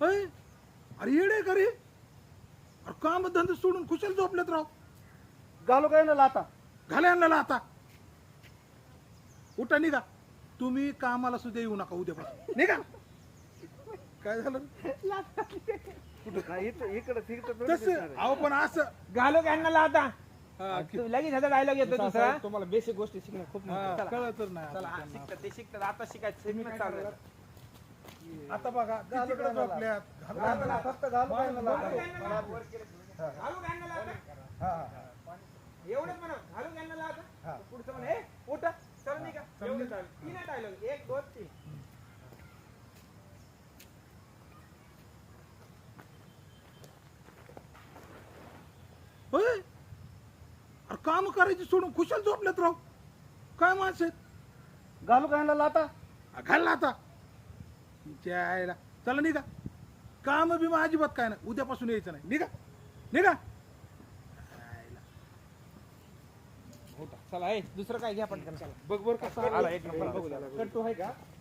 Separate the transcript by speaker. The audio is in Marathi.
Speaker 1: अय, अरे येडे का रे? अरे काम धंदे सोडून खुशाल झोपलेत राव.
Speaker 2: घालू काय ना लाता?
Speaker 1: घाला आणला आता. उठा निघा. तुम्ही कामाला सुद्धा येऊ नका उद्यापासून. निघा. काय झालं?
Speaker 2: इकडे
Speaker 1: तसं अहो पण असं
Speaker 3: घालू कॅनला आता
Speaker 1: हा,
Speaker 3: लगेच ह्याचा डायलॉग येतो दुसरा.
Speaker 4: तुम्हाला बेसिक गोष्टी शिकणं खूप
Speaker 1: हा,
Speaker 4: महत्त्वाचं.
Speaker 1: कळतच नाही
Speaker 3: चला
Speaker 1: आता
Speaker 3: हा,
Speaker 1: त्यांना.
Speaker 3: शिकतात ते शिकतात आता शिकायचं शिकणं चालू आहे.
Speaker 1: आता बघा
Speaker 2: घालू
Speaker 1: तिकडे
Speaker 2: काय
Speaker 1: झोपल्यात.
Speaker 2: फक्त घालू काय ना लाता?
Speaker 3: घालू कॅनला आता एवढंच म्हणा. घालू कॅनला आता पुढचं म्हणा हे उठा चल निघा. एवढं चालेल. तीन डायलॉग 1 2 3.
Speaker 1: होय, अरे काम करायची सोडून खुशाल झोपल्यात राव. काय माणसं आहेत?
Speaker 2: घालू काय ना लाता?
Speaker 1: घालला आता. जायला चला निघा. काम बी अजिबात काय नाही. उद्यापासून यायचं नाही. निघा निघा.
Speaker 3: चला हे दुसरं काय घ्या पटकन. चला
Speaker 4: बघ बरं कसं
Speaker 3: आला एक नंबर.
Speaker 4: बघू द्या.
Speaker 2: कट्टू आहे का?